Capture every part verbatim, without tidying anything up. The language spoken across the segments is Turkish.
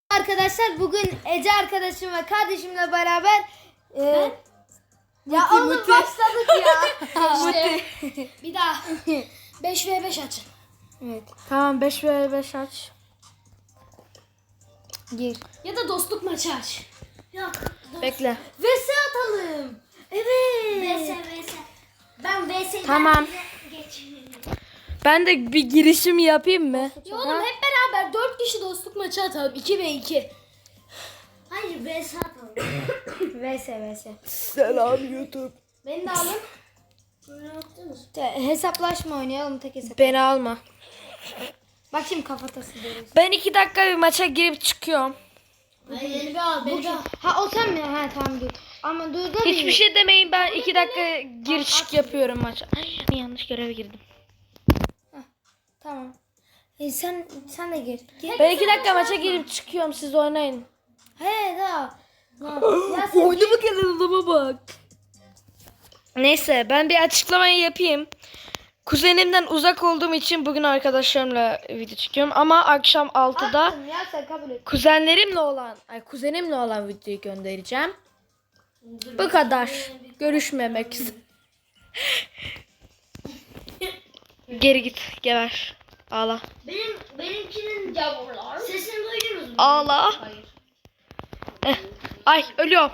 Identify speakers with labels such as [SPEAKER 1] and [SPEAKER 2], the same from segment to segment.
[SPEAKER 1] Arkadaşlar bugün Ece arkadaşım ve kardeşimle beraber e, ya oğlum başladık ya.
[SPEAKER 2] İşte bir daha beş ve beş açın.
[SPEAKER 1] Evet.
[SPEAKER 3] Tamam beş ve beş aç.
[SPEAKER 1] Gir.
[SPEAKER 2] Ya da dostluk maçı aç.
[SPEAKER 1] Yok.
[SPEAKER 3] Bekle.
[SPEAKER 1] Vs atalım. Evet.
[SPEAKER 2] Vs vs. Ben vs.
[SPEAKER 3] Tamam. Ben de bir girişim yapayım mı?
[SPEAKER 2] Ya oğlum hep beraber dört kişi dostluk maçı atalım. iki ve iki.
[SPEAKER 1] Hayır vs atalım. Vs vs.
[SPEAKER 3] Selam YouTube.
[SPEAKER 2] Beni de alın.
[SPEAKER 1] Te- hesaplaşma oynayalım tek hesap.
[SPEAKER 3] Beni alma.
[SPEAKER 1] Bak şimdi kafatası diyoruz.
[SPEAKER 3] Ben iki dakika bir maça girip çıkıyorum.
[SPEAKER 2] Hayır beni bir al. Beni bir al.
[SPEAKER 1] Ha o sen mi? Ha tamam dur. Ama dur da
[SPEAKER 3] Hiçbir şey demeyin, ben iki dakika gir çık yapıyorum maça. Ay, yanlış göreve girdim.
[SPEAKER 1] Tamam. E, sen sen de gir. Gir.
[SPEAKER 3] Ben iki dakika maça girip çıkıyorum, siz oynayın.
[SPEAKER 1] He daha. Ya sen
[SPEAKER 3] Oynama kanalıma bak. Neyse ben bir açıklamayı yapayım. Kuzenimden uzak olduğum için bugün arkadaşlarımla video çekiyorum ama akşam altıda
[SPEAKER 1] Attım ya sen kabul et.
[SPEAKER 3] kuzenlerimle olan, ay kuzenimle olan videoyu göndereceğim. Bu kadar. Görüşmemek üzere. Geri git, geber. Ağla.
[SPEAKER 2] Benim benimkinin yavrular. Sesini duydunuz mu?
[SPEAKER 3] Ağla.
[SPEAKER 2] Hayır.
[SPEAKER 3] Eh. Ay ölüyorum.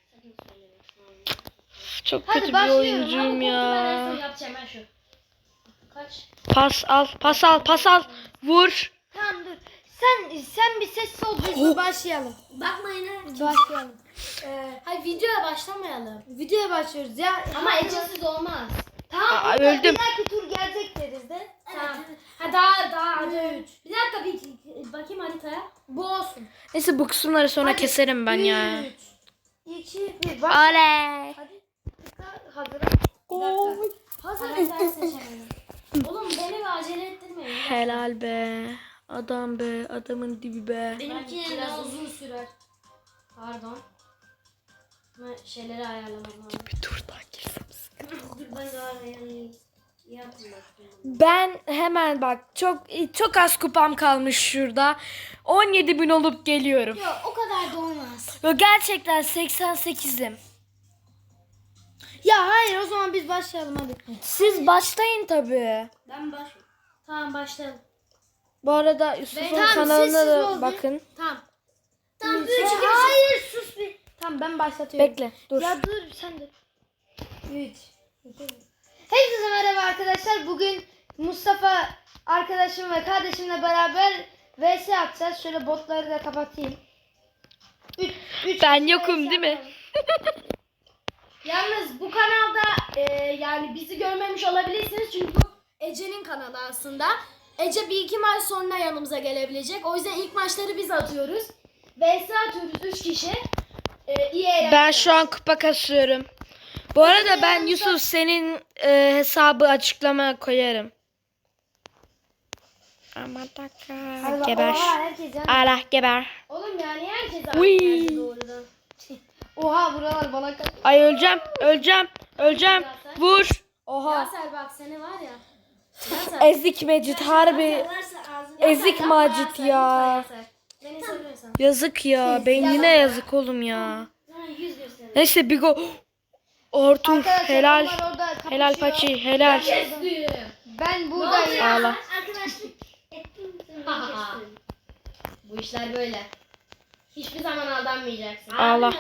[SPEAKER 3] Çok
[SPEAKER 1] Hadi
[SPEAKER 3] kötü bir
[SPEAKER 1] başlıyorum.
[SPEAKER 3] oyuncuyum
[SPEAKER 2] Ben
[SPEAKER 3] ya.
[SPEAKER 2] en son yapacağım ben şu. Kaç?
[SPEAKER 3] Pas al, pas al, pas al. Vur.
[SPEAKER 1] Tamam dur. Sen sen bir ses ol biz bir başlayalım.
[SPEAKER 2] Bakmayın ha.
[SPEAKER 1] Başlayalım. Ee,
[SPEAKER 2] Hayır videoya başlamayalım.
[SPEAKER 1] videoya başlıyoruz ya.
[SPEAKER 2] Ama Ece'siz olmaz.
[SPEAKER 1] Tamam.
[SPEAKER 3] Aa,
[SPEAKER 1] burada
[SPEAKER 3] öldüm.
[SPEAKER 1] Bir dahaki tur gelecek deriz de.
[SPEAKER 2] Tamam. Ha daha daha hadi üç. Bir dakika bir bakayım haritaya.
[SPEAKER 1] Bu olsun.
[SPEAKER 3] Neyse bu kısımları sonra
[SPEAKER 1] Hadi.
[SPEAKER 3] keserim ben ya.
[SPEAKER 1] üç, iki, bir. Bak.
[SPEAKER 3] Oley.
[SPEAKER 1] Hadi. Hazır.
[SPEAKER 3] Oy.
[SPEAKER 1] Hazır.
[SPEAKER 2] Karakter seçemedim. Oğlum beni bir acele ettirmeyin.
[SPEAKER 3] Helal be. Adam be. Adamın dibi be.
[SPEAKER 2] Benimki biraz uzun sürer. Pardon. Ama şeyleri ayarlamam lazım.
[SPEAKER 3] Bir tur daha girsem.
[SPEAKER 2] Dur ben daha ayarlayayım. Yapın bakayım.
[SPEAKER 3] Ben hemen bak çok çok az kupam kalmış şurada. on yedi bin olup geliyorum.
[SPEAKER 2] Yok o kadar da olmaz.
[SPEAKER 3] Ve gerçekten seksen sekizim.
[SPEAKER 1] Ya hayır o zaman biz başlayalım hadi.
[SPEAKER 3] Siz başlayın tabii.
[SPEAKER 2] Ben baş. Tamam başlayalım.
[SPEAKER 3] Bu arada Yusuf'un
[SPEAKER 1] Tamam,
[SPEAKER 3] kanalına
[SPEAKER 1] sessiz
[SPEAKER 3] da
[SPEAKER 1] ol.
[SPEAKER 3] bakın.
[SPEAKER 2] Tamam.
[SPEAKER 1] Tamam,
[SPEAKER 2] üç,
[SPEAKER 1] üç,
[SPEAKER 2] iki, bir.
[SPEAKER 1] hayır sus bir. Tamam ben başlatıyorum.
[SPEAKER 3] Bekle dur.
[SPEAKER 1] Ya dur sen de. üç. Herkese merhaba arkadaşlar. Bugün Mustafa arkadaşım ve kardeşimle beraber vs atacağız. Şöyle botları da kapatayım. Üç, üç
[SPEAKER 3] Ben
[SPEAKER 1] kişi
[SPEAKER 3] yokum
[SPEAKER 1] vs
[SPEAKER 3] değil mi?
[SPEAKER 1] atalım.
[SPEAKER 2] Yalnız bu kanalda e, yani bizi görmemiş olabilirsiniz çünkü bu Ece'nin kanalı aslında. Ece bir iki maç sonra yanımıza gelebilecek. O yüzden ilk maçları biz atıyoruz. vs atıyoruz üç kişi. E, iyi eğlenceler.
[SPEAKER 3] Ben şu an kupa kasıyorum. Bu arada ben Yusuf senin e, hesabı açıklamaya koyarım. Aman
[SPEAKER 1] Hadi
[SPEAKER 3] taka.
[SPEAKER 1] bak,
[SPEAKER 3] Geber.
[SPEAKER 1] Oha herkes yan-
[SPEAKER 3] Allah geber.
[SPEAKER 2] Oğlum yani herkes
[SPEAKER 3] Uy.
[SPEAKER 2] aynı yerde doğrudan.
[SPEAKER 1] Oha buralar bana kaç.
[SPEAKER 3] Ay öleceğim. Öleceğim. Öleceğim. Vur. Oha.
[SPEAKER 2] Yaser bak seni var ya. Yaser.
[SPEAKER 3] Ezik Mecit harbi. Ezik
[SPEAKER 2] Yapma
[SPEAKER 3] Macit
[SPEAKER 2] Yaser,
[SPEAKER 3] ya.
[SPEAKER 2] lütfen Yaser. Beni seviyorsan.
[SPEAKER 3] Yazık ya. Beynine yazık oğlum ya.
[SPEAKER 2] Sana yüz gösterin.
[SPEAKER 3] Neyse bir go. Artur
[SPEAKER 1] Arkadaşlar
[SPEAKER 3] helal.
[SPEAKER 1] onlar orada kapışıyor.
[SPEAKER 3] Helal Paçi helal.
[SPEAKER 2] Kestim.
[SPEAKER 1] Ben buradayım.
[SPEAKER 3] Ağla.
[SPEAKER 2] Arkadaşlık ettim. Bu işler böyle. Hiçbir zaman aldanmayacaksın.
[SPEAKER 3] Ağla.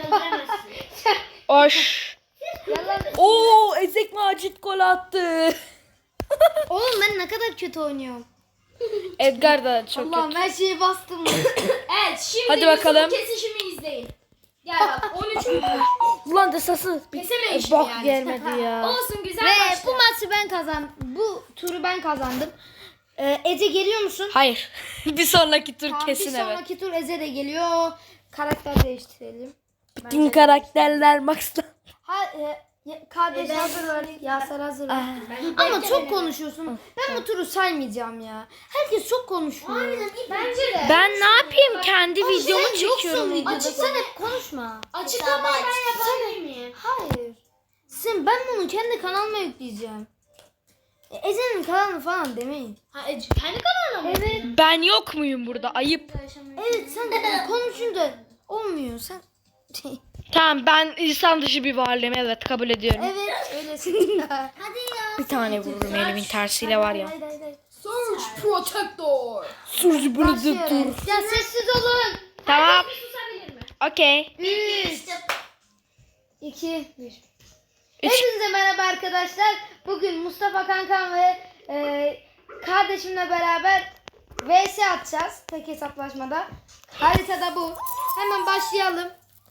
[SPEAKER 3] Oş.
[SPEAKER 1] Yalan.
[SPEAKER 3] Oo Ezik Macit gol attı.
[SPEAKER 1] Oğlum ben ne kadar kötü oynuyorum.
[SPEAKER 3] Edgar da çok
[SPEAKER 1] Allah'ım
[SPEAKER 3] kötü.
[SPEAKER 1] her şeyi bastım.
[SPEAKER 2] Evet şimdi
[SPEAKER 3] Hadi
[SPEAKER 2] Yusuf'un
[SPEAKER 3] bakalım.
[SPEAKER 2] kesişimi izleyin. Gel bak on üç mü?
[SPEAKER 3] Ulan desası bir
[SPEAKER 2] Kesemeyiz
[SPEAKER 3] bok
[SPEAKER 2] yani.
[SPEAKER 3] gelmedi ya.
[SPEAKER 2] Olsun güzel
[SPEAKER 1] Ve
[SPEAKER 2] başla.
[SPEAKER 1] bu maçı ben kazandım. Bu turu ben kazandım. Ee, Ece geliyor musun?
[SPEAKER 3] Hayır. bir sonraki tur
[SPEAKER 1] Tamam,
[SPEAKER 3] kesin
[SPEAKER 1] bir
[SPEAKER 3] evet.
[SPEAKER 1] sonraki tur Ece de geliyor. Karakter değiştirelim.
[SPEAKER 3] Bütün karakterler Max'ta.
[SPEAKER 1] Ha, e, ya- kardeş
[SPEAKER 2] E, ben-
[SPEAKER 1] hazır ver. Yaser hazır ver.
[SPEAKER 2] Ben-
[SPEAKER 1] Ama
[SPEAKER 2] Bekle
[SPEAKER 1] çok
[SPEAKER 2] beni.
[SPEAKER 1] konuşuyorsun. Ben bu turu saymayacağım ya. Herkes çok konuşuyor.
[SPEAKER 2] Bence de.
[SPEAKER 3] Ben ne yapayım? Kendi
[SPEAKER 1] Oğlum
[SPEAKER 3] videomu
[SPEAKER 1] sen yoksun
[SPEAKER 3] çekiyorum.
[SPEAKER 1] videoda. Sen hep konuşma.
[SPEAKER 2] Açıklamayı ben yapabilir miyim?
[SPEAKER 1] Hayır. Sen ben bunu kendi kanalıma yükleyeceğim. E, Ece'nin kanalı falan demeyin.
[SPEAKER 2] Ha Ece kendi kanalına mı?
[SPEAKER 1] Evet.
[SPEAKER 3] Ben yok muyum burada? Ayıp.
[SPEAKER 1] Evet sen konuşunca olmuyor sen.
[SPEAKER 3] Tamam ben insan dışı bir varlığım. Evet kabul ediyorum.
[SPEAKER 1] Evet öylesin. Hadi ya.
[SPEAKER 3] Bir tane vururum elimin tersiyle var ya.
[SPEAKER 1] Hayır hayır hayır.
[SPEAKER 2] Search Protector.
[SPEAKER 3] Sus burada dur.
[SPEAKER 1] Başlıyoruz. Ya sessiz olun.
[SPEAKER 3] Tamam.
[SPEAKER 2] Susabilir mi?
[SPEAKER 3] Okey.
[SPEAKER 1] üç, iki, bir.
[SPEAKER 3] Üç.
[SPEAKER 1] Hepinize merhaba arkadaşlar. Bugün Mustafa kankam ve e, kardeşimle beraber V S atacağız. Tek hesaplaşmada. Haritada bu. Hemen başlayalım.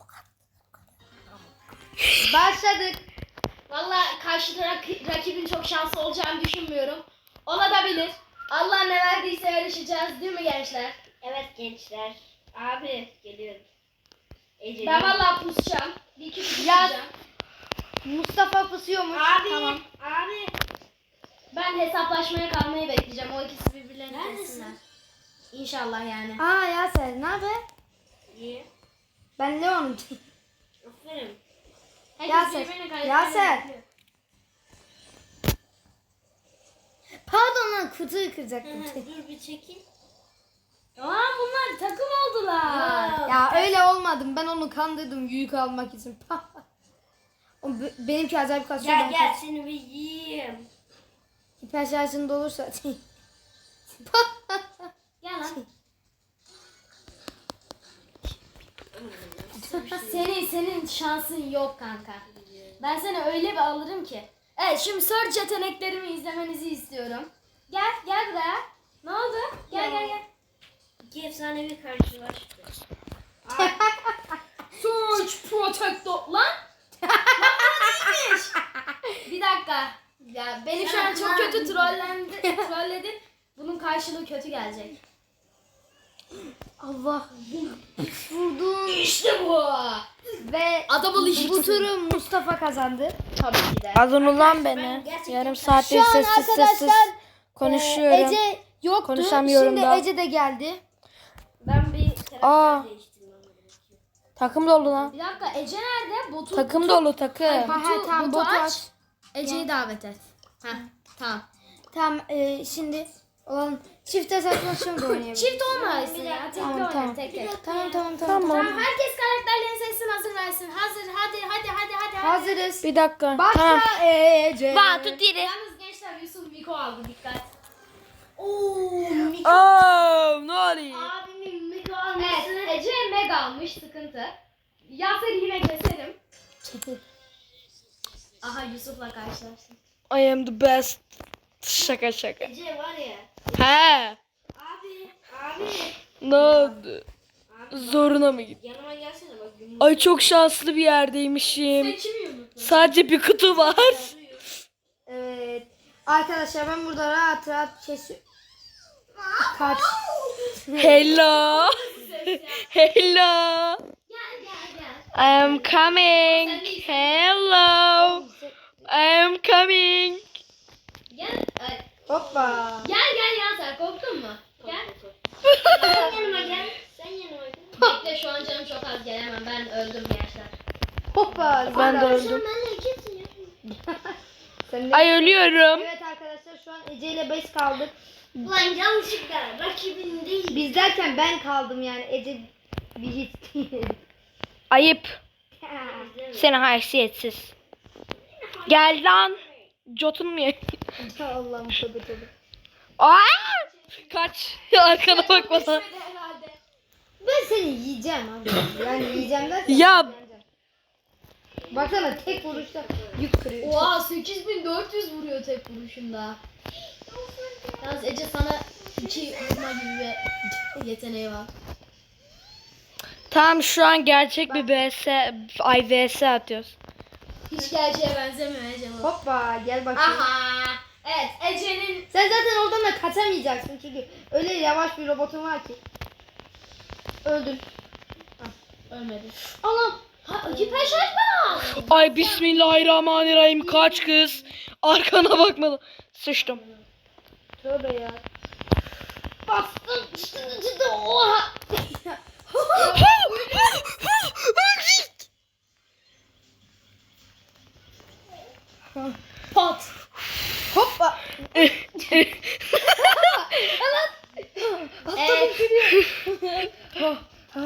[SPEAKER 1] Başladık.
[SPEAKER 2] Valla karşı rak- rakibin çok şanslı olacağını düşünmüyorum. Olabilir. Allah ne verdiyse yarışacağız değil mi gençler?
[SPEAKER 4] Evet gençler. Abi geliyorum. Ece.
[SPEAKER 2] Ben valla pusacağım. Bir iki pusacağım.
[SPEAKER 1] Yaz. Mustafa pusuyormuş.
[SPEAKER 4] Abi.
[SPEAKER 1] Tamam.
[SPEAKER 4] Abi.
[SPEAKER 2] Ben hesaplaşmaya kalmayı bekleyeceğim. O ikisi birbirlerini
[SPEAKER 4] Neredesin?
[SPEAKER 2] kessinler. İnşallah yani.
[SPEAKER 1] Aa Yaser ne haber?
[SPEAKER 4] İyi.
[SPEAKER 1] Ben Leon'um.
[SPEAKER 4] Aferin.
[SPEAKER 2] Herkes
[SPEAKER 1] Yaser,
[SPEAKER 2] birbirine kaybetmeyi
[SPEAKER 1] Yaser.
[SPEAKER 2] bekliyor.
[SPEAKER 1] Pardon lan kutuyu kıracaktım.
[SPEAKER 4] Dur bir çekil.
[SPEAKER 2] Aa bunlar takım oldular.
[SPEAKER 1] Ya öyle olmadım. Ben onu kandırdım yük almak için. O be- benimki acayip kasıyor.
[SPEAKER 4] Gel
[SPEAKER 1] ben
[SPEAKER 4] gel
[SPEAKER 1] kaç-
[SPEAKER 4] seni bir yiyeyim.
[SPEAKER 1] Hiper şarjında olursa.
[SPEAKER 2] Gel lan. senin senin şansın yok kanka. Ben seni öyle bir alırım ki. Evet şimdi search yeteneklerimi izlemenizi istiyorum. Gel gel buraya. Ne oldu? Gel gel gel.
[SPEAKER 4] İki efsanevi karşılaştı.
[SPEAKER 2] Search Protector lan. Lan bu değilmiş. Bir dakika. Ya beni şu an çok kötü trollendi, trolledin. Bunun karşılığı kötü gelecek.
[SPEAKER 1] Allah. Vurdum.
[SPEAKER 2] İşte bu.
[SPEAKER 1] Ve
[SPEAKER 2] Adamı
[SPEAKER 1] bu turu Mustafa kazandı.
[SPEAKER 2] Tabii ki de.
[SPEAKER 3] Adın ulan beni.
[SPEAKER 4] ben gerçekten-
[SPEAKER 3] Yarım
[SPEAKER 1] Şu
[SPEAKER 3] saattir
[SPEAKER 1] an
[SPEAKER 3] sessiz sessiz
[SPEAKER 1] arkadaşlar
[SPEAKER 3] konuşuyorum.
[SPEAKER 1] e, Ece yoktu.
[SPEAKER 3] Konuşamıyorum
[SPEAKER 1] Şimdi
[SPEAKER 3] da.
[SPEAKER 1] Ece de geldi.
[SPEAKER 4] Ben bir
[SPEAKER 3] Aa.
[SPEAKER 4] karakter değiştirmem gerekiyor.
[SPEAKER 3] Takım dolu lan.
[SPEAKER 2] Bir dakika Ece nerede? Botu,
[SPEAKER 3] Takım dolu takım.
[SPEAKER 1] Ha, ha, tamam, botu aç.
[SPEAKER 2] Ece'yi davet et. Heh, tamam.
[SPEAKER 1] Tamam e, şimdi olan çift hesaplaşma da oynayabiliriz.
[SPEAKER 2] Çift olmasın ya. Tek
[SPEAKER 1] Tamam,
[SPEAKER 2] tamam,
[SPEAKER 1] tamam.
[SPEAKER 2] tek tek.
[SPEAKER 1] Tamam tamam tamam.
[SPEAKER 3] Tamam.
[SPEAKER 2] Tamam herkes karakterlerini seçsin hazır versin. Hazır hadi hadi hadi hadi. hadi.
[SPEAKER 1] Hazırız.
[SPEAKER 3] Bir dakika.
[SPEAKER 1] Başla
[SPEAKER 3] Tamam.
[SPEAKER 1] Ece.
[SPEAKER 3] One, two, three.
[SPEAKER 2] Yalnız gençler Yusuf Miko aldı dikkat.
[SPEAKER 4] Ooo Miko.
[SPEAKER 3] Oh, ne oluyor?
[SPEAKER 4] Abimin Miko
[SPEAKER 2] Evet
[SPEAKER 4] alması.
[SPEAKER 2] Ece Meg almış sıkıntı. Yaser'i yine keserim. Aha Yusuf'la karşılaştım.
[SPEAKER 3] I am the best. Şaka şaka.
[SPEAKER 4] Ece var ya.
[SPEAKER 3] He.
[SPEAKER 4] Abi. Abi.
[SPEAKER 3] Ne oldu?
[SPEAKER 4] Abi
[SPEAKER 3] Zoruna mı gitti?
[SPEAKER 4] yanıma gelsene bak. Yumruk
[SPEAKER 3] Ay çok şanslı bir yerdeymişim.
[SPEAKER 2] Sen kimi yumrukladın?
[SPEAKER 3] Sadece bir kutu var.
[SPEAKER 4] arıyor.
[SPEAKER 1] Evet. Arkadaşlar ben burada rahat rahat kesiyorum. Kaç.
[SPEAKER 3] Hello. Hello.
[SPEAKER 2] Gel gel gel.
[SPEAKER 3] I am coming. Hello. I am coming.
[SPEAKER 2] Gel. Ay,
[SPEAKER 1] Hoppa.
[SPEAKER 2] Gel gel Yaser korktun mu? Gel.
[SPEAKER 4] Sen yanıma gel. Sen yanıma gel.
[SPEAKER 2] Bekle şu an canım çok az gelemem ben öldüm gençler.
[SPEAKER 1] Hoppa.
[SPEAKER 3] Ben de
[SPEAKER 1] Sen
[SPEAKER 3] öldüm.
[SPEAKER 4] Benle ikisin ya.
[SPEAKER 1] Sen de-
[SPEAKER 3] Ay ölüyorum.
[SPEAKER 1] Evet arkadaşlar şu an Ece ile beş kaldık.
[SPEAKER 4] Ulan yanlışlıkla rakibin değil.
[SPEAKER 1] Biz derken ben kaldım yani Ece bir hiç değil.
[SPEAKER 3] Ayıp. Seni haysiyetsiz. Gel lan. Jotun mu ya?
[SPEAKER 1] Allah'ım tövbe tövbe.
[SPEAKER 3] Aa! Kaç. Arkana bak bana.
[SPEAKER 2] Düşmedi herhalde.
[SPEAKER 1] Ben seni yiyeceğim abi. Yani yiyeceğim derken.
[SPEAKER 3] Ya.
[SPEAKER 1] yeneceğim. Baksana tek vuruşta yük kırıyor.
[SPEAKER 2] Oha sekiz bin dört yüz vuruyor tek vuruşunda. Yalnız Ece sana iki vurma gibi bir yeteneği var.
[SPEAKER 3] Tamam şu an gerçek bir B S, ay V S atıyoruz.
[SPEAKER 2] Hiç gerçeğe benzemiyor Ece bu.
[SPEAKER 1] Hoppa gel bakayım.
[SPEAKER 2] Aha. Evet Ece'nin
[SPEAKER 1] Sen zaten oradan da kaçamayacaksın çünkü öyle yavaş bir robotun var ki. Öldün.
[SPEAKER 2] ölmedi. Anam. Ha, hiper şarj mı?
[SPEAKER 3] Ay bismillahirrahmanirrahim kaç kız. Arkana bakmadım. Sıçtım.
[SPEAKER 1] Tövbe ya. Bastım. Çıtı çıtı oha.
[SPEAKER 2] Pat.
[SPEAKER 1] Hoppa.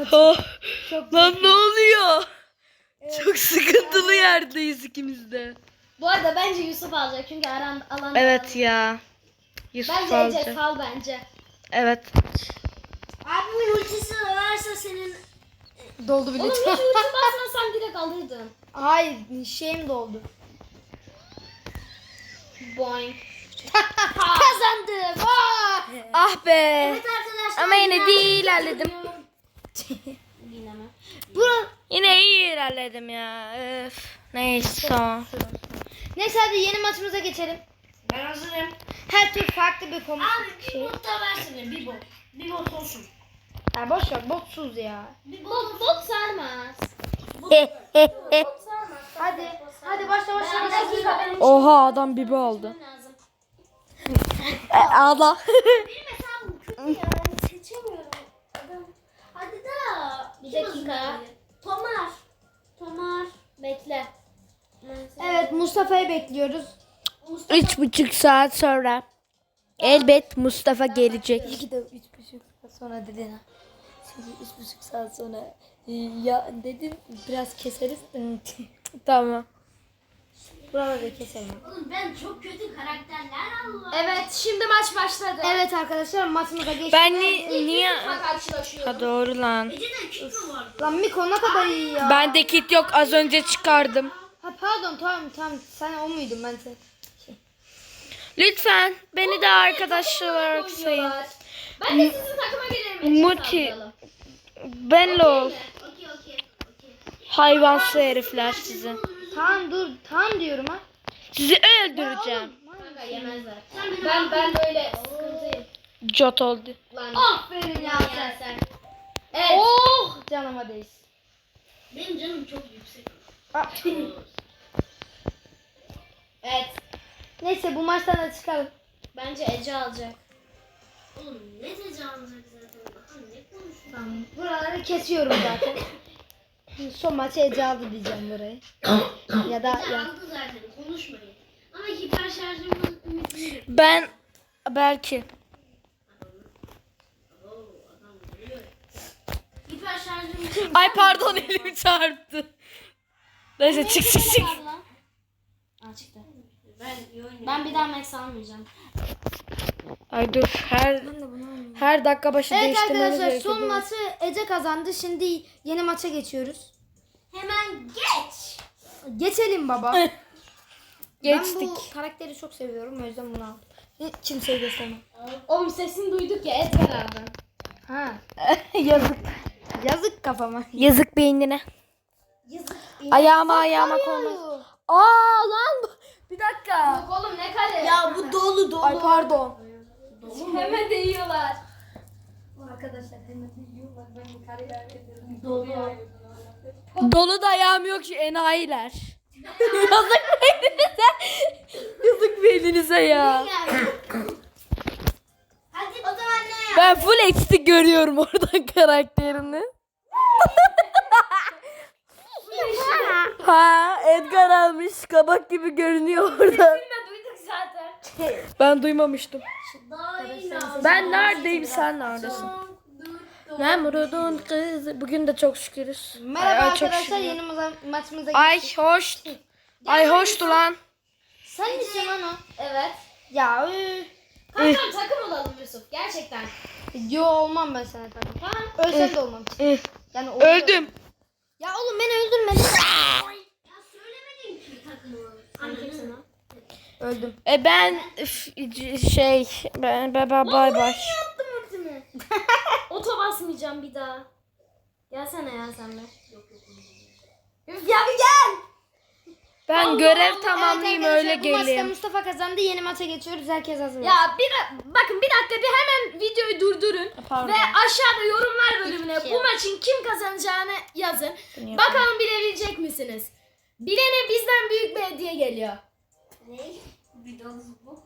[SPEAKER 3] Oh,
[SPEAKER 1] Çok
[SPEAKER 3] lan ne oluyor? Çok sıkıntılı yerdeyiz ikimiz de.
[SPEAKER 2] Bu arada bence Yusuf alacak çünkü aran alan.
[SPEAKER 3] Evet ya. Yusuf
[SPEAKER 2] Bence Ece
[SPEAKER 3] alacak.
[SPEAKER 2] sal bence.
[SPEAKER 3] Evet.
[SPEAKER 4] Abimin ultisi varsa senin
[SPEAKER 1] doldu bile.
[SPEAKER 2] Oğlum hiç ulti basmasan direkt alırdın.
[SPEAKER 1] Hayır şeyim doldu.
[SPEAKER 2] Boing.
[SPEAKER 1] Kazandım. Vay!
[SPEAKER 3] Ah be.
[SPEAKER 4] evet arkadaşlar.
[SPEAKER 3] Ama yine de iyi ilerledim.
[SPEAKER 2] Yine mi?
[SPEAKER 1] Bura...
[SPEAKER 3] Yine iyi ilerledim ya. Öf. Neyse.
[SPEAKER 1] Neyse hadi yeni maçımıza geçelim.
[SPEAKER 4] Ben hazırım.
[SPEAKER 1] Her tür farklı bir konu.
[SPEAKER 4] Abi bir bot da versene bir bot. Bir bot olsun.
[SPEAKER 1] Ya boş ver botsuz ya.
[SPEAKER 4] Bir
[SPEAKER 2] Bot, bot sarmaz.
[SPEAKER 1] Hadi. Hadi başla başla.
[SPEAKER 2] Bir dakika benim
[SPEAKER 3] Oha adam bibi aldı.
[SPEAKER 2] lazım.
[SPEAKER 3] E, Allah.
[SPEAKER 4] Benim hesabım kötü ya. Seçemiyorum. Adam. Hadi da.
[SPEAKER 2] Bir
[SPEAKER 4] Kim
[SPEAKER 2] dakika.
[SPEAKER 4] hazırladı? Tomar.
[SPEAKER 2] Tomar. Bekle.
[SPEAKER 1] Evet Mustafa'yı bekliyoruz.
[SPEAKER 3] Üç buçuk saat sonra. Elbet Mustafa gelecek.
[SPEAKER 1] İki de üç buçuk saat sonra dedin ha. Şimdi üç buçuk saat sonra e, ya dedin biraz keseriz.
[SPEAKER 3] Tamam.
[SPEAKER 1] Buraları keselim.
[SPEAKER 4] Oğlum ben çok kötü karakterler Allah.
[SPEAKER 2] Evet şimdi maç başladı.
[SPEAKER 1] Evet arkadaşlar maçımıza geçtik.
[SPEAKER 3] Ben ni niye?
[SPEAKER 2] Yusuf'la karşılaşıyorum.
[SPEAKER 3] Ha doğru lan.
[SPEAKER 4] Ece'de kit mi var?
[SPEAKER 1] Lan Miko ne kadar iyi ya.
[SPEAKER 3] Bende kit yok, az önce çıkardım.
[SPEAKER 1] Ha pardon tamam tamam sen o muydun ben sen.
[SPEAKER 3] Lütfen beni de arkadaşlar olarak sayın.
[SPEAKER 2] Oynuyorlar. Ben de sizin takıma gelirim.
[SPEAKER 3] Muti. Benle ol.
[SPEAKER 4] Okey okey okey.
[SPEAKER 3] Hayvansı herifler sizi.
[SPEAKER 1] Tamam dur tamam diyorum ha.
[SPEAKER 3] Sizi öldüreceğim.
[SPEAKER 2] Kanka yemezler.
[SPEAKER 4] Sen benim
[SPEAKER 2] Ben ben böyle sıkıntıyım.
[SPEAKER 3] Jot oldu.
[SPEAKER 2] Lan.
[SPEAKER 1] Aferin ya
[SPEAKER 2] Gel
[SPEAKER 1] sen.
[SPEAKER 2] sen. Evet.
[SPEAKER 1] Oh canıma değsin.
[SPEAKER 4] Benim canım çok yüksek.
[SPEAKER 1] Ah.
[SPEAKER 2] Evet.
[SPEAKER 1] Neyse bu maçtan da çıkalım.
[SPEAKER 2] Bence Ece alacak.
[SPEAKER 4] Oğlum ne tecavüz zaten. Aha ne konuşuyorsun?
[SPEAKER 1] Tamam. Buraları kesiyorum zaten. Son maçı Ece aldı diyeceğim burayı. ya da
[SPEAKER 4] Ece
[SPEAKER 1] ya.
[SPEAKER 4] aldı zaten konuşmayın. Ama hiper şarjımın ümitini.
[SPEAKER 3] Ben belki.
[SPEAKER 4] Oo adam vuruyor. Hiper şarjım.
[SPEAKER 3] Ay pardon elim çarptı. Neyse çık çık çık.
[SPEAKER 2] Aa çıktı.
[SPEAKER 4] Ben iyi oynuyorum.
[SPEAKER 2] Ben bir daha Max almayacağım.
[SPEAKER 3] Ay dur her her dakika başı
[SPEAKER 1] Evet
[SPEAKER 3] değiştirmemiz
[SPEAKER 1] arkadaşlar
[SPEAKER 3] gerekiyor.
[SPEAKER 1] son maçı Ece kazandı. Şimdi yeni maça geçiyoruz.
[SPEAKER 4] Hemen geç.
[SPEAKER 1] Geçelim baba.
[SPEAKER 3] Geçtik.
[SPEAKER 1] Ben bu karakteri çok seviyorum o yüzden bunu aldım. Hiç kimseye göstermem.
[SPEAKER 2] Oğlum sesini duyduk ya Edgar abi.
[SPEAKER 1] Ha.
[SPEAKER 3] Yazık.
[SPEAKER 1] Yazık kafama.
[SPEAKER 3] Yazık beynine.
[SPEAKER 4] Yazık.
[SPEAKER 3] Ayağıma ayağıma koymaz. Aa lan bu- bir dakika.
[SPEAKER 2] Yok oğlum ne kale.
[SPEAKER 4] Ya bu dolu dolu.
[SPEAKER 3] Ay pardon.
[SPEAKER 2] Hemen değiyorlar.
[SPEAKER 1] Arkadaşlar hemen yiyorlar. Ben kariyer ediyorum.
[SPEAKER 3] Dolu da ayağım yok şu enayiler. Yazık beyninize. Yazık beyninize ya.
[SPEAKER 4] Hadi o zaman ne yap?
[SPEAKER 3] Ben full eksik görüyorum oradan karakterini. Ha Edgar almış kabak gibi görünüyor oradan.
[SPEAKER 2] Biz duyduk zaten.
[SPEAKER 3] Ben duymamıştım.
[SPEAKER 4] Daha iyi lazım.
[SPEAKER 3] Ben neredeyim sen neredesin? Nemrud'un kızı. Bugün de çok şükürüz.
[SPEAKER 1] Merhaba
[SPEAKER 3] Ay, çok
[SPEAKER 1] arkadaşlar
[SPEAKER 3] şükür.
[SPEAKER 1] yeni ma- maçımıza
[SPEAKER 3] Ay
[SPEAKER 1] geçtik.
[SPEAKER 3] hoş. Ay hoştu lan.
[SPEAKER 1] Sen misin lan o?
[SPEAKER 2] Evet.
[SPEAKER 1] Ya üf.
[SPEAKER 2] Kankam takım olalım Yusuf. Gerçekten.
[SPEAKER 1] Yo olmam ben sana tabii.
[SPEAKER 2] Tamam.
[SPEAKER 1] Ölsem de olmam.
[SPEAKER 3] Üh,
[SPEAKER 1] Yani olur.
[SPEAKER 3] Öldüm.
[SPEAKER 1] Ya oğlum beni öldürme.
[SPEAKER 4] Ya söylemedin ki takımı.
[SPEAKER 2] Kimsin lan?
[SPEAKER 1] Öldüm.
[SPEAKER 3] E ben üf, c- şey ben bay bay bay bay.
[SPEAKER 2] Oto basmayacağım bir daha. Gelsene ya sen de.
[SPEAKER 1] Üf ya bir gel.
[SPEAKER 3] Ben görev tamamlayayım
[SPEAKER 1] Evet
[SPEAKER 3] öyle
[SPEAKER 1] arkadaşlar, bu maçta
[SPEAKER 3] geleyim.
[SPEAKER 1] Mustafa kazandı. Yeni maça geçiyoruz. Herkes hazır.
[SPEAKER 2] Ya bir da- bakın bir dakika bir hemen videoyu durdurun.
[SPEAKER 3] Pardon.
[SPEAKER 2] Ve aşağıda yorumlar bölümüne
[SPEAKER 4] şey
[SPEAKER 2] bu maçın kim kazanacağını yazın.
[SPEAKER 3] Bunu
[SPEAKER 2] Bakalım bilebilecek misiniz? Bilene bizden büyük bir hediye geliyor.
[SPEAKER 4] Ne? Bir dolu bu.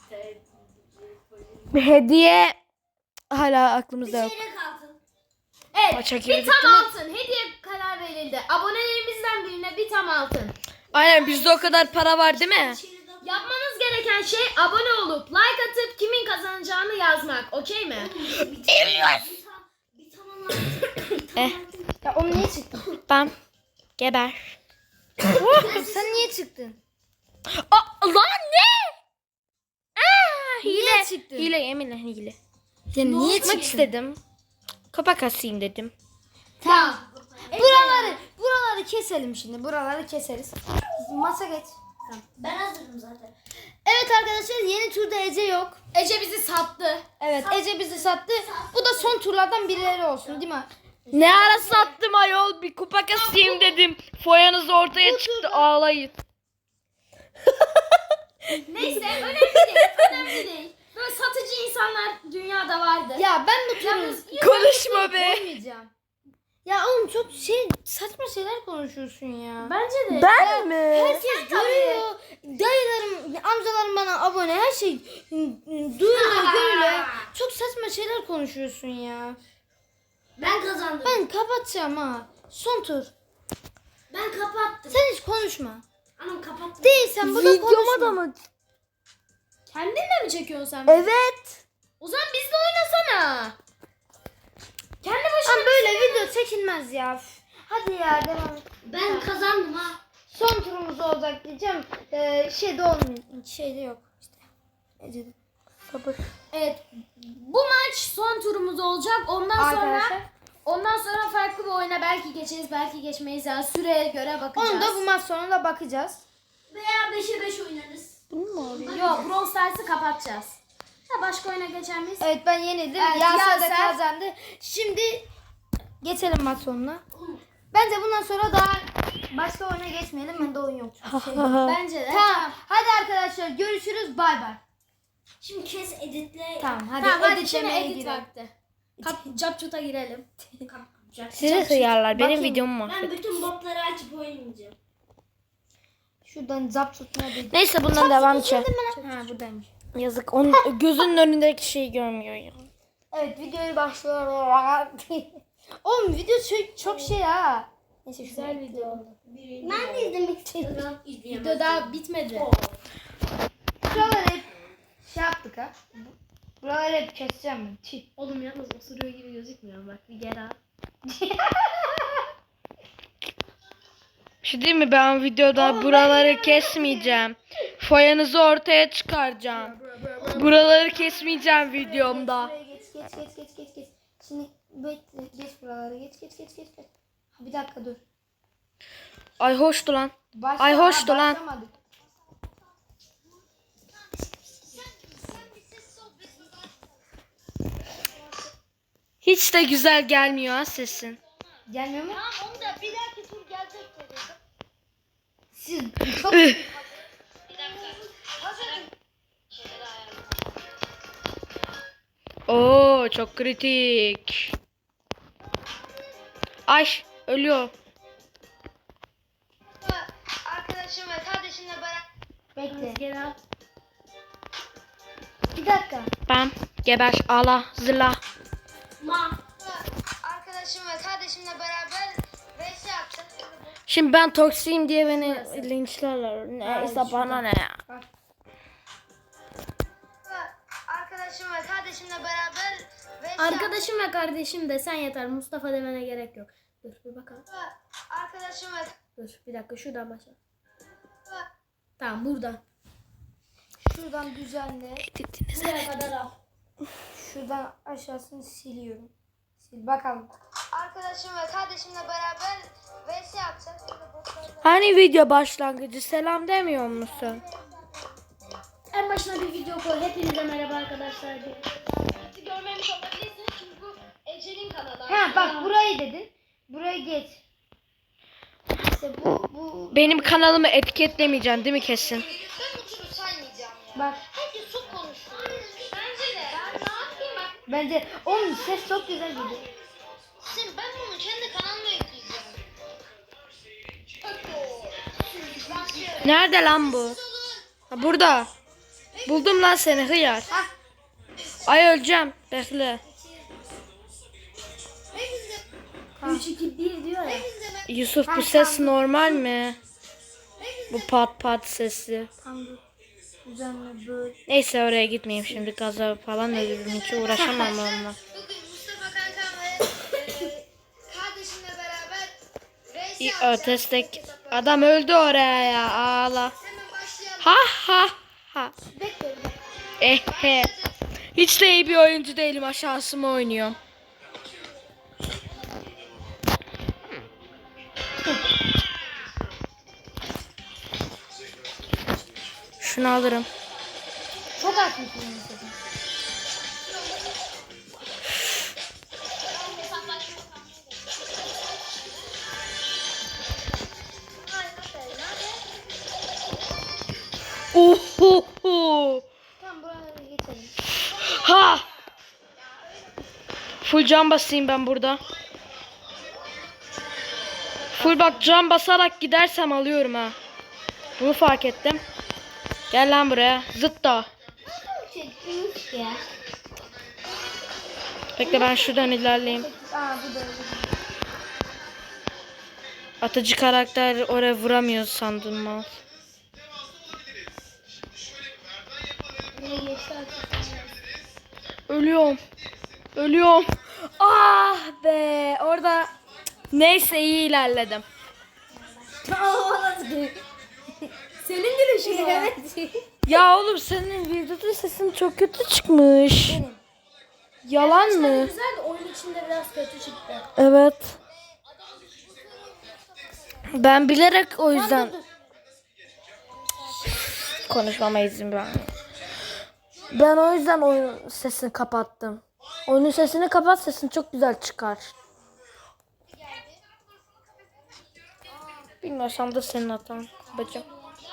[SPEAKER 3] Bir hediye hala aklımızda yok.
[SPEAKER 4] Çeyrek altın.
[SPEAKER 2] Evet
[SPEAKER 3] Maça
[SPEAKER 2] bir
[SPEAKER 3] girdik,
[SPEAKER 2] tam
[SPEAKER 3] değil mi?
[SPEAKER 2] altın hediye karar verildi. Abonelerimizden birine bir tam altın.
[SPEAKER 3] Aynen bizde o kadar para var değil mi?
[SPEAKER 4] Çeyrek altın.
[SPEAKER 2] Yapmanız gereken şey abone olup like atıp kimin kazanacağını yazmak. Okey mi?
[SPEAKER 4] Bir tam- bir tam- bir tam altın. Bir
[SPEAKER 3] Eh
[SPEAKER 1] Ya oğlum niye çıktın?
[SPEAKER 3] ben geber.
[SPEAKER 1] Sen niye çıktın?
[SPEAKER 3] Aa, lan ne? Aa, hile.
[SPEAKER 1] Niye çıktın?
[SPEAKER 3] Hile yeminle hile.
[SPEAKER 1] Ya niye
[SPEAKER 3] Çıkmak
[SPEAKER 1] çıktın?
[SPEAKER 3] istedim. Kapak asayım dedim.
[SPEAKER 1] Tamam. Buraları, buraları keselim şimdi. Buraları keseriz. Masa geç.
[SPEAKER 4] Ben hazırım zaten.
[SPEAKER 1] Evet arkadaşlar yeni turda Ece yok.
[SPEAKER 2] Ece bizi sattı.
[SPEAKER 1] Evet Ece bizi sattı. Bu da son turlardan birileri olsun değil mi?
[SPEAKER 3] Ne ara sattım ayol, bir kupak asayım dedim. Foyanız ortaya çıktı, ağlayın.
[SPEAKER 2] Neyse önemli değil. Önemli değil. Böyle satıcı insanlar dünyada vardı.
[SPEAKER 1] Ya ben bu turu
[SPEAKER 2] Yalnız
[SPEAKER 3] Konuşma be.
[SPEAKER 1] koymayacağım. Ya oğlum çok şey saçma şeyler konuşuyorsun ya.
[SPEAKER 2] Bence de.
[SPEAKER 3] Ben mi?
[SPEAKER 1] Herkes görüyor. Dayılarım, amcalarım bana abone. Her şey duyuluyor, görülüyor. Çok saçma şeyler konuşuyorsun ya.
[SPEAKER 4] Ben kazandım.
[SPEAKER 1] Ben kapatacağım ha. Son tur.
[SPEAKER 4] Ben kapattım.
[SPEAKER 1] Sen hiç konuşma.
[SPEAKER 4] Anam kapattım.
[SPEAKER 1] Değilsen burada
[SPEAKER 3] Videoma
[SPEAKER 1] konuşma.
[SPEAKER 3] da mı?
[SPEAKER 2] Kendinle mi çekiyorsun sen?
[SPEAKER 3] Evet.
[SPEAKER 2] O zaman bizle oynasana. Kendi başına.
[SPEAKER 1] Ama böyle video çekilmez ya. Üf. Hadi ya devam et.
[SPEAKER 4] Ben kazandım ha.
[SPEAKER 1] Son turumuz olacak diyeceğim. Ee, şeyde olmuyor. Şeyde yok. İşte. Ece'de.
[SPEAKER 3] Sabır.
[SPEAKER 2] Evet. Bu maç son turumuz olacak. Ondan sonra
[SPEAKER 1] Arkadaşlar.
[SPEAKER 2] ondan sonra farklı bir oyuna belki geçeriz, belki geçmeyiz. Yani süreye göre bakacağız.
[SPEAKER 1] Onu da bu maç sonunda bakacağız.
[SPEAKER 4] Veya beşe beş oynarız.
[SPEAKER 2] Yok, Brawl Stars'ı kapatacağız. Ha, başka oyuna geçer miyiz?
[SPEAKER 1] Evet ben yenildim.
[SPEAKER 2] Evet,
[SPEAKER 1] Yaser de
[SPEAKER 2] Yaser.
[SPEAKER 1] kazandı. Şimdi geçelim maç sonuna. Bence bundan sonra daha başka oyuna geçmeyelim. Bende oyun yok. çünkü şey.
[SPEAKER 2] Bence de.
[SPEAKER 1] Tamam. Hadi arkadaşlar görüşürüz. Bay bay.
[SPEAKER 4] Şimdi kes editle.
[SPEAKER 1] Tamam hadi.
[SPEAKER 2] Tamam, hadi şimdi
[SPEAKER 1] editlemeye
[SPEAKER 2] edit
[SPEAKER 1] girelim.
[SPEAKER 2] vakti. Kap, capcut'a girelim.
[SPEAKER 4] Kapatacak.
[SPEAKER 3] Size hıyarlar, benim
[SPEAKER 1] Bakayım.
[SPEAKER 3] videomu
[SPEAKER 4] Ben
[SPEAKER 3] mahvet.
[SPEAKER 4] bütün botları açıp oynayacağım.
[SPEAKER 1] Şuradan zap tutmaya bir.
[SPEAKER 3] Neyse bundan devam edeceğim.
[SPEAKER 1] Ha buradaymış.
[SPEAKER 3] Yazık, onun gözünün önündeki şeyi görmüyor ya.
[SPEAKER 1] Evet videoyu başlıyor. Oğlum video çok, çok şey ha. Neyse
[SPEAKER 2] Güzel video oldu.
[SPEAKER 4] Ben de izlemek istiyorum.
[SPEAKER 2] Video daha bitmedi.
[SPEAKER 1] Buraları hep şey yaptık ha. Buraları hep keseceğim ben. Çiğ.
[SPEAKER 2] Oğlum yalnız osuruyor gibi gözükmüyor. Bak bir gel al.
[SPEAKER 3] Bir şey değil mi, ben videoda buraları kesmeyeceğim. Foyanızı ortaya çıkaracağım. Buraları kesmeyeceğim videomda.
[SPEAKER 1] Buraya geç geç geç geç geç geç. Şimdi bekle geç buraları geç geç geç geç. geç. Ha, bir dakika dur.
[SPEAKER 3] Ay hoştu lan.
[SPEAKER 1] Başla,
[SPEAKER 3] Ay, hoştu
[SPEAKER 1] ha,
[SPEAKER 3] lan.
[SPEAKER 1] başlamadık.
[SPEAKER 3] Hiç de güzel gelmiyor ha sesin.
[SPEAKER 1] Gelmiyor mu?
[SPEAKER 4] Tamam onu da bir dahaki tur gelecek dedi.
[SPEAKER 1] Siz çok
[SPEAKER 3] Oo çok kritik. Ay ölüyor.
[SPEAKER 1] arkadaşım ve kardeşimle beraber. Bekle.
[SPEAKER 2] Gel al.
[SPEAKER 1] Bir dakika.
[SPEAKER 3] Ben geber ala zıla.
[SPEAKER 4] Ma.
[SPEAKER 1] Arkadaşım ve kardeşimle beraber vs yapacağız.
[SPEAKER 3] Şimdi ben toksiyim diye beni linçlerler. Neyse bana ne ya.
[SPEAKER 1] Arkadaşım ve kardeşimle beraber vs
[SPEAKER 2] Arkadaşım ve kardeşim desen yeter. Mustafa demene gerek yok. Dur bir bakalım.
[SPEAKER 1] Arkadaşım ve
[SPEAKER 2] Dur bir dakika şuradan başla. Tamam buradan.
[SPEAKER 1] şuradan düzenle.
[SPEAKER 3] Editiniz
[SPEAKER 2] Buraya kadar al.
[SPEAKER 1] Şuradan aşağısını siliyorum. Sil bakalım. Arkadaşım ve kardeşimle beraber vs yapacağız.
[SPEAKER 3] Hani video başlangıcı selam demiyor musun?
[SPEAKER 2] En başına bir video koy. Hepinize merhaba arkadaşlar diye. Bizi görmemiş olabilirsiniz çünkü bu Ece'nin kanalı.
[SPEAKER 1] Ha bak burayı dedin. Burayı geç. İşte bu bu.
[SPEAKER 3] Benim kanalımı etiketlemeyeceksin değil mi kesin?
[SPEAKER 1] Ben bu turu saymayacağım ya. Bak. Herkes çok konuşuyor.
[SPEAKER 2] Bence de. Ben ne yapayım bak.
[SPEAKER 1] Bence onun ses çok güzel gidiyor.
[SPEAKER 4] Sen ben bunu kendi kanalıma ekleyeceğim.
[SPEAKER 3] Nerede lan bu? Ha, burada. Buldum lan seni hıyar. Ay öleceğim. Bekle.
[SPEAKER 2] üç iki bir diyor ya.
[SPEAKER 3] Yusuf bu ses normal mi? Bu pat pat sesi.
[SPEAKER 1] Tam dur. Düzenle böyle.
[SPEAKER 3] Neyse oraya gitmeyeyim şimdi, gaza falan ölürüm, hiç uğraşamam onunla.
[SPEAKER 1] Bugün Mustafa kankam ve e,
[SPEAKER 3] İyi, ötestek. Adam öldü oraya ya. Ağla. Ha ha ha.
[SPEAKER 1] Bekle.
[SPEAKER 3] Eh he. Hiç de iyi bir oyuncu değilim. Aşağısıma oynuyorum. Şunu alırım.
[SPEAKER 1] Çok haklısın.
[SPEAKER 3] Ohoho.
[SPEAKER 1] Tamam buraları geçelim.
[SPEAKER 3] Ha. Full can basayım ben burada. Full bak can basarak gidersem alıyorum ha. Bunu fark ettim. Gel lan buraya. Zıt da.
[SPEAKER 1] Çektiniz ya.
[SPEAKER 3] Bekle ben şuradan ilerleyeyim.
[SPEAKER 1] Aa bu da öyle.
[SPEAKER 3] Atıcı karakter oraya vuramıyor sandım mal.
[SPEAKER 1] Buraya geçti artık.
[SPEAKER 3] Ölüyorum. Ölüyorum. Ah be. Orada neyse iyi ilerledim.
[SPEAKER 2] Senin gülüşün mü?
[SPEAKER 1] Evet.
[SPEAKER 3] Ya oğlum senin videoda sesin çok kötü çıkmış. Yalan
[SPEAKER 2] Arkadaşlar
[SPEAKER 3] mı?
[SPEAKER 2] güzel de oyun içinde biraz kötü çıktı.
[SPEAKER 3] Evet. Ben bilerek o yüzden konuşmama izin vermiyorum. Ben o yüzden oyun sesini kapattım. Oyunun sesini kapat, sesin çok güzel çıkar. Bilmiyorsam da senin hatan bacım.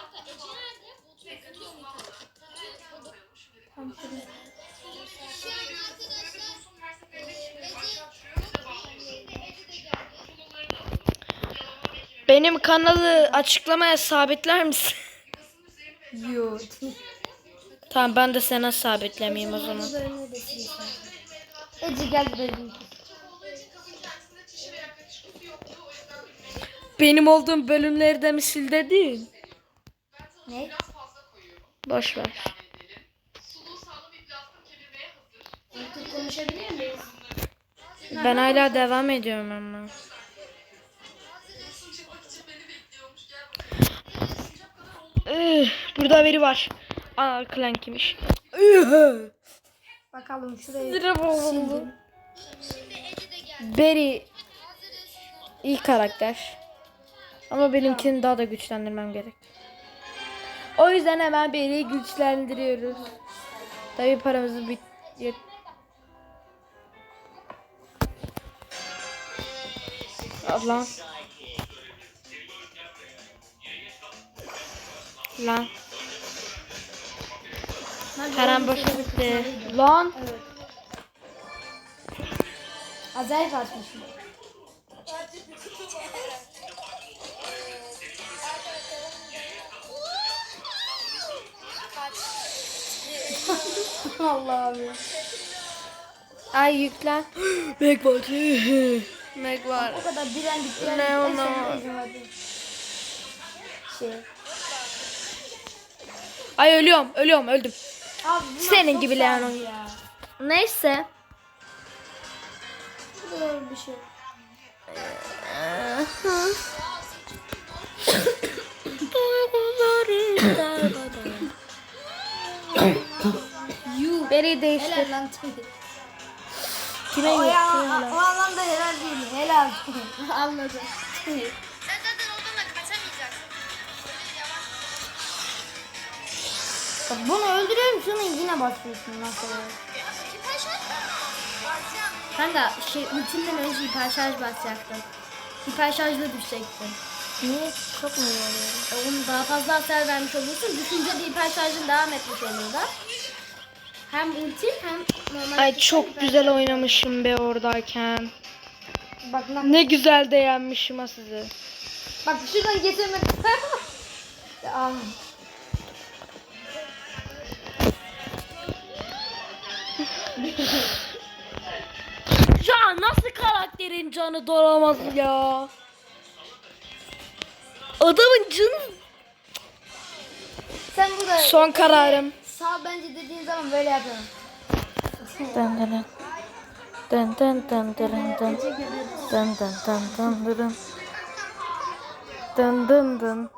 [SPEAKER 3] Benim kanalı açıklamaya sabitler misin?
[SPEAKER 1] Yok.
[SPEAKER 3] Tamam ben de sana sabitlemeyeyim o zaman.
[SPEAKER 1] Ece gel dedim.
[SPEAKER 3] Benim olduğum bölümleri de mi sil dedin?
[SPEAKER 1] Ne?
[SPEAKER 3] Boş ver.
[SPEAKER 2] Artık konuşabilir miyiz?
[SPEAKER 3] Ben hala devam ediyorum ama. Üh, burada biri var. Aa Clank'miş.
[SPEAKER 1] Bakalım şuraya.
[SPEAKER 3] Sildim. Berry iyi karakter. Ama benimkini daha da güçlendirmem gerek. O yüzden hemen Berry'i güçlendiriyoruz. Tabii paramızı bit yet- Allah. Lan. Param boşa gitti. Lan.
[SPEAKER 1] Evet. Acayip açmışım. Allah'ım ya.
[SPEAKER 3] Ay yüklen. Meg var. Meg var.
[SPEAKER 1] O kadar direndik direndik.
[SPEAKER 3] Ne
[SPEAKER 1] En
[SPEAKER 3] ona?
[SPEAKER 1] sonunda Ece vardı. Şey.
[SPEAKER 3] Ay ölüyorum. Ölüyorum. Öldüm.
[SPEAKER 1] Abi bunlar
[SPEAKER 3] Senin
[SPEAKER 1] çok
[SPEAKER 3] gibi Leon
[SPEAKER 1] sağlam
[SPEAKER 3] oyun.
[SPEAKER 1] ya.
[SPEAKER 3] Neyse.
[SPEAKER 1] Bu kadar bir şey.
[SPEAKER 3] Beri değiştir.
[SPEAKER 1] Helal lan.
[SPEAKER 3] Kime
[SPEAKER 1] O, ya,
[SPEAKER 3] gitti?
[SPEAKER 1] o anlamda helal değil. Helal.
[SPEAKER 2] Anladım.
[SPEAKER 1] Bak bunu öldürüyorum şunu yine basıyorsun nasıl olur?
[SPEAKER 2] Kanka şey ultimden önce hiper şarj basacaktın. Hiper şarjla düşecektin.
[SPEAKER 1] Niye? Çok mu iyi oluyor?
[SPEAKER 2] E, onu daha fazla hasar vermiş olursun. Düşünce de hiper şarjın devam etmiş olur da. Hem ultim hem normal.
[SPEAKER 3] Ay çok güzel oynamışım be oradayken.
[SPEAKER 1] Bak lan.
[SPEAKER 3] Ne güzel de yenmişim ha sizi.
[SPEAKER 1] Bak şuradan getirmek. Ya, aman.
[SPEAKER 3] Ya nasıl karakterin canı dolamaz ya? Adamın canı.
[SPEAKER 1] Sen burada
[SPEAKER 3] Son kararım.
[SPEAKER 1] sağ bence dediğin zaman böyle yapıyorum.
[SPEAKER 3] Dın dın dın dın dın dın dın dın dın dın dın dın dın. Dın dın dın.